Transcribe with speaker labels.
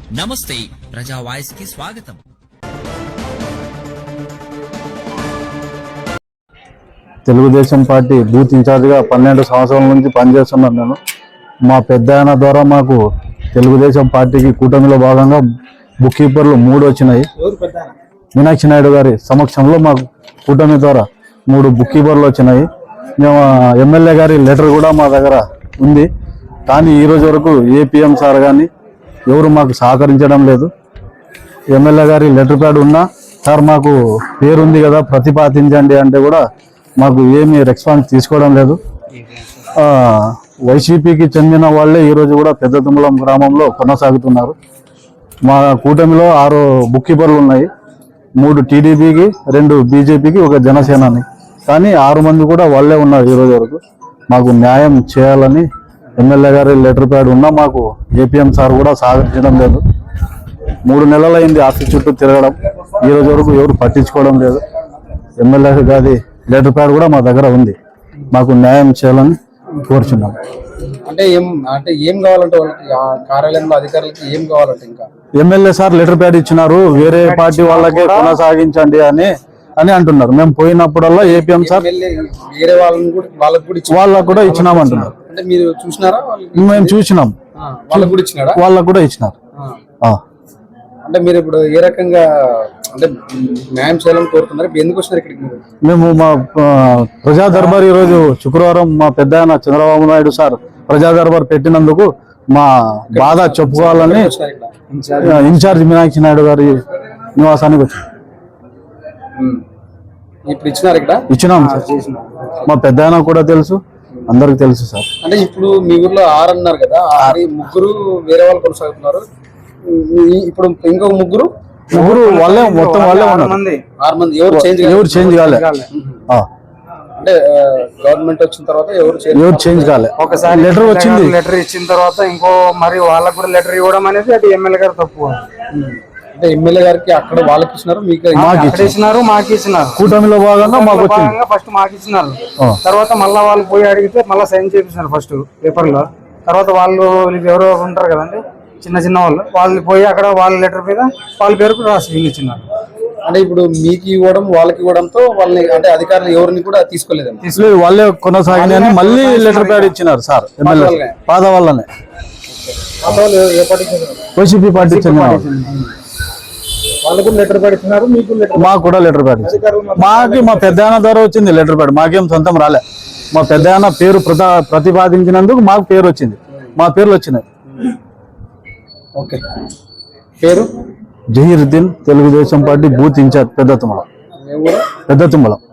Speaker 1: నమస్తే ప్రజా వాయిస్ కి స్వాగతం.
Speaker 2: తెలుగుదేశం పార్టీ బూత్ ఇన్ఛార్జిగా 12 సంవత్సరాల నుంచి పనిచేస్తున్నాను నేను. మా పెద్ద ఆయన ద్వారా మాకు తెలుగుదేశం పార్టీకి కూటమిలో భాగంగా బుక్ కీపర్లు 3 వచ్చినాయి. మీనాక్షి నాయుడు గారి సమక్షంలో మాకు కూటమి ద్వారా 3 బుక్ కీపర్లు వచ్చినాయి. మేము ఎమ్మెల్యే గారి లెటర్ కూడా మా దగ్గర ఉంది. కానీ ఈరోజు వరకు ఏపీఎం సార్ కానీ ఎవరు మాకు సహకరించడం లేదు. ఎమ్మెల్యే గారి లెటర్ ప్యాడ్ ఉన్నా సార్ మాకు పేరుంది కదా ప్రతిపాదించండి అంటే కూడా మాకు ఏమీ రెస్పాన్స్ తీసుకోవడం లేదు. వైసీపీకి చెందిన వాళ్ళే ఈరోజు కూడా పెద్ద తుమ్మలం గ్రామంలో కొనసాగుతున్నారు. మా కూటమిలో 6 బుక్ కీపర్లు ఉన్నాయి. 3 టీడీపీకి, 2 బీజేపీకి, 1 జనసేనని. కానీ 6 మంది కూడా వాళ్ళే ఉన్నారు ఈరోజు వరకు. మాకు న్యాయం చేయాలని ఎమ్మెల్యే గారి లెటర్ ప్యాడ్ ఉన్నా మాకు ఏపీఎం సార్ కూడా సహకరించడం లేదు. 3 నెలలైంది ఆఫీస్ చుట్టూ తిరగడం. ఈరోజు వరకు ఎవరు పట్టించుకోవడం లేదు. ఎమ్మెల్యే గారి లెటర్ ప్యాడ్ కూడా మా దగ్గర ఉంది. మాకు న్యాయం చేయాలని కోరుచున్నాం.
Speaker 3: అంటే ఏం కావాలంటే వాళ్ళకి కార్యాలయంలో అధికారులకి ఏం కావాలంటే ఇంకా
Speaker 2: ఎమ్మెల్యే సార్ లెటర్ ప్యాడ్ ఇచ్చినారు, వేరే పార్టీ వాళ్ళకే కొనసాగించండి అని అంటున్నారు. మేము పోయినప్పుడల్లా ఏపీఎం సార్
Speaker 3: వేరే వాళ్ళకి
Speaker 2: కూడా ఇచ్చినామంటున్నారు.
Speaker 3: అంటే మీరు చూసినారా?
Speaker 2: మేము చూసినాం, వాళ్ళకు కూడా ఇచ్చినారు.
Speaker 3: అంటే మీరు ఇప్పుడు ఏ రకంగా అంటే న్యాయం చేయాలని కోరుతున్నారు? ఎందుకు వచ్చినారు ఇక్కడికి?
Speaker 2: మేము మా ప్రజా దర్బార్ ఈరోజు శుక్రవారం మా పెద్ద ఆయన చంద్రబాబు నాయుడు సార్ ప్రజా దర్బార్ పెట్టినందుకు మా బాధ చెప్పుకోవాలని ఇన్ఛార్జ్ మీనాక్షి నాయుడు గారి నివాసానికి వచ్చాం.
Speaker 3: ఇప్పుడు ఇచ్చినారు ఇక్కడ?
Speaker 2: ఇచ్చినాం సార్. మా పెద్ద ఆయన కూడా తెలుసు, అందరికి తెలుసు సార్.
Speaker 3: అంటే ఇప్పుడు మీ ఊర్లో 6 అన్నారు కదా, 3 వేరే వాళ్ళు కొనసాగుతున్నారు. ఇప్పుడు ఇంకొక ముగ్గురు
Speaker 2: వాళ్ళే మొత్తం వాళ్ళే ఉన్నారు.
Speaker 3: 6 మంది ఎవరు
Speaker 2: చేంజ్ కాలే.
Speaker 3: అంటే గవర్నమెంట్ వచ్చిన తర్వాత
Speaker 2: ఎవరు చేంజ్ కాలే.
Speaker 4: ఒకసారి లెటర్ వచ్చింది, లెటర్ ఇచ్చిన తర్వాత ఇంకో మరి వాళ్ళకు కూడా లెటర్ ఇవ్వడం అనేది అది ఎమ్మెల్యే గారు తప్పు.
Speaker 3: అంటే ఎమ్మెల్యే గారికి అక్కడ వాళ్ళకి ఇచ్చినారు, మీకు
Speaker 4: ఇచ్చినారు, మాకు ఇచ్చినారు.
Speaker 2: కూటమిలో భాగంగా
Speaker 4: ఫస్ట్ మాకు ఇచ్చినారు. తర్వాత మళ్ళీ వాళ్ళు పోయి అడిగితే మళ్ళీ సైన్ చేపించినారు ఫస్ట్ పేపర్ లో. తర్వాత వాళ్ళు ఎవరో ఉంటారు కదండి చిన్న వాళ్ళు పోయి అక్కడ వాళ్ళ లెటర్ మీద వాళ్ళ పేరు రాసి ఇచ్చినారు.
Speaker 3: అంటే ఇప్పుడు మీకు ఇవ్వడం వాళ్ళకి ఇవ్వడంతో వాళ్ళని అంటే అధికారులు ఎవరిని కూడా తీసుకోలేదు,
Speaker 2: వాళ్ళే కొనసాగిన మళ్ళీ లెటర్ ప్యాడ్ ఇచ్చినారు సార్. ఎమ్మెల్యే పాద వాళ్ళనే వైసీపీ పార్టీ చెందిన
Speaker 3: వాళ్ళకు లెటర్ ప్యాడ్ ఇచ్చినారు, మీకు
Speaker 2: మాకు కూడా లెటర్ ప్యాడ్ ఇచ్చారు. మా పెద్ద ఆయన ద్వారా వచ్చింది లెటర్ ప్యాడ్, మాకేం సొంతం రాలే. మా పెద్ద ఆయన పేరు ప్రతిపాదించినందుకు మాకు పేరు వచ్చింది, మా పేర్లు వచ్చినాయి.
Speaker 3: ఓకే, పేరు
Speaker 2: Zaheeruddin, Telugu Desam party booth incharge Pedda తుమ్మలం.